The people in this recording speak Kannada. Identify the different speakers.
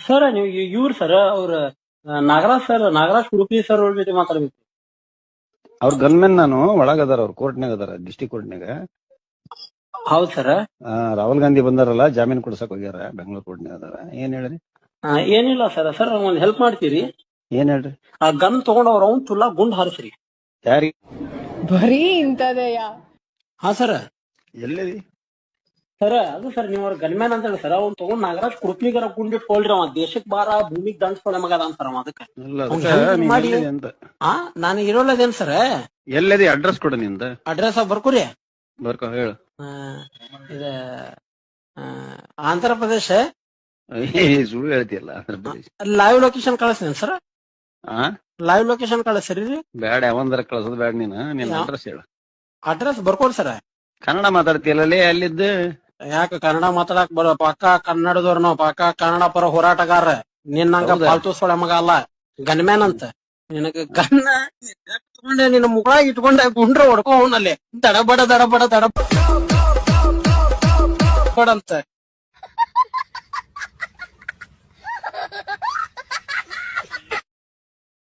Speaker 1: ಸರ್ ನೀವು ಇವ್ರು ಸರ್ ಅವ್ರ ನಾಗರಾಜ್ ಉಡುಪಿ ಸರ್ ಅವ್ರ ಜೊತೆ ಮಾತಾಡ್ಬೇಕು.
Speaker 2: ಅವ್ರ ಗನ್ಮೆನ್ ನಾನು ಒಳಗದಾರ, ಅವ್ರ ಕೋರ್ಟ್ನಾಗ ಅದಾರ, ಡಿಸ್ಟಿಕ್ ಕೋರ್ಟ್ನಾಗ.
Speaker 1: ಹೌದ್ ಸರ್.
Speaker 2: ರಾಹುಲ್ ಗಾಂಧಿ ಬಂದಾರಲ್ಲ, ಜಾಮೀನ್ ಕೊಡ್ಸಕ್ ಹೋಗ್ಯಾರ, ಬೆಂಗಳೂರು ಕೋರ್ಟ್ನಾಗ ಅದಾರ. ಏನ್ ಹೇಳ್ರಿ?
Speaker 1: ಏನಿಲ್ಲ ಸರ್. ಸರ್ ಒಂದ್ ಹೆಲ್ಪ್ ಮಾಡ್ತೀರಿ?
Speaker 2: ಏನ್ ಹೇಳ್ರಿ?
Speaker 1: ಆ ಗನ್ ತಗೊಂಡ್ ಅವ್ರ ಅವ್ನ್ ತುಲ್ಲಾ ಗುಂಡ್ ಹಾರಿಸ್ರಿ.
Speaker 2: ಯಾರಿ?
Speaker 3: ಬರೀ ಇಂತದೆಯಾ?
Speaker 1: ಹಾ ಸರ್.
Speaker 2: ಎಲ್ಲಿದಿ?
Speaker 1: ಸರ್ ಅದು ಸರ್ ನೀವ್ ಅವ್ರ ಗನ್ಮ್ಯಾನ್ ಅಂತ ಹೇಳಿ ಸರ್, ಅವ್ನ್ ತಗೊಂಡ್ ನಾಗರಾಜ್ ಕುಡುಪಿಗರ ಗುಂಡಿಟ್ಕೊಳ್ರಿ. ಅವ ದೇಶಕ್ ಬಾರ ಭೂಮಿಗ್ ದಂಡ್ಸ್ಕೊಳ್ಳೋ ಮಗ ಅಂತಾರ ಅದಕ್ಕೆ ಮಾಡಿ. ನಾನು ಇರೋಲ್ಲದೇನ್ ಸರ್?
Speaker 2: ಎಲ್ಲದಿ? ಅಡ್ರೆಸ್ ಕೊಡ ನಿಂದ.
Speaker 1: ಅಡ್ರೆಸ್ ಬರ್ಕೋರಿ.
Speaker 2: ಬರ್ಕೊ ಹೇಳು.
Speaker 1: ಇದ ಆಂಧ್ರ ಪ್ರದೇಶ.
Speaker 2: ಸುಳ್ಳು ಹೇಳ್ತಿಯಲ್ಲ. ಆಂಧ್ರ ಪ್ರದೇಶ.
Speaker 1: ಲೈವ್ ಲೊಕೇಶನ್ ಕಳಿಸ್ತೀನಿ ಸರ್. ಲೈವ್ ಲೊಕೇಶನ್ ಕಳಿಸ್ರಿ.
Speaker 2: ಬ್ಯಾಡ, ಯಾವಂದ್ರ ಕಳ್ಸೋದ್ ಬ್ಯಾಡ. ನಿನ್ ಅಡ್ರೆಸ್ ಹೇಳು.
Speaker 1: ಅಡ್ರೆಸ್ ಬರ್ಕೋರಿ ಸರ್.
Speaker 2: ಕನ್ನಡ ಮಾತಾಡ್ತಿಯಲ್ಲೇ ಅಲ್ಲಿದ್ದು?
Speaker 1: ಯಾಕ ಕನ್ನಡ ಮಾತಾಡಕ್ ಬರೋ? ಪಕ್ಕ ಕನ್ನಡದವ್ರ ನಾವು, ಪಕ್ಕ ಕನ್ನಡ ಪರ ಹೋರಾಟಗಾರ. ನಿನ್ನಂಗ ಪಾಲ್ತು ಸೊಳೆ ಮಗ ಅಲ್ಲ, ಗನ್ಮ್ಯಾನ್ ಅಂತ. ನಿನಗ ಗನ್ನ ತಗೊಂಡೆ ನಿನ್ನ ಮುಗಳಾಗ ಇಟ್ಕೊಂಡೆ ಗುಂಡ್ರ ಹೊಡ್ಕೊ ಅವನಲ್ಲಿ ದಡಬಡ ಅಂತ